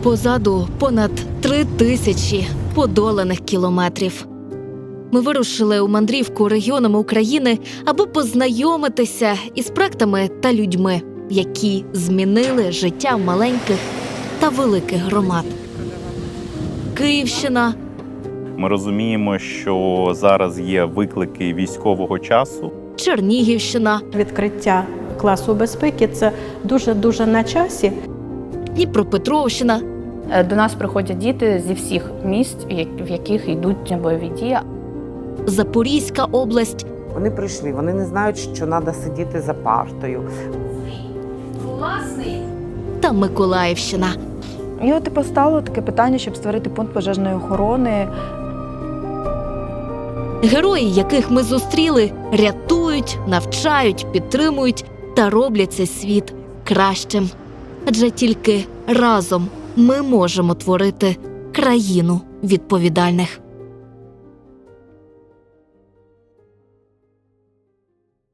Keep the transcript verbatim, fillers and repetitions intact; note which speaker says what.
Speaker 1: Позаду понад три тисячі подоланих кілометрів. Ми вирушили у мандрівку регіонами України, аби познайомитися із проектами та людьми, які змінили життя маленьких та великих громад. Київщина.
Speaker 2: Ми розуміємо, що зараз є виклики військового часу.
Speaker 1: Чернігівщина.
Speaker 3: Відкриття класу безпеки – це дуже-дуже на часі.
Speaker 1: Дніпропетровщина.
Speaker 4: До нас приходять діти зі всіх міст, в яких йдуть бойові дії.
Speaker 1: Запорізька область.
Speaker 5: Вони прийшли, вони не знають, що треба сидіти за партою.
Speaker 1: Та Миколаївщина.
Speaker 6: І от і постало таке питання, щоб створити пункт пожежної охорони.
Speaker 1: Герої, яких ми зустріли, рятують, навчають, підтримують та роблять цей світ кращим. Адже тільки разом ми можемо творити країну відповідальних.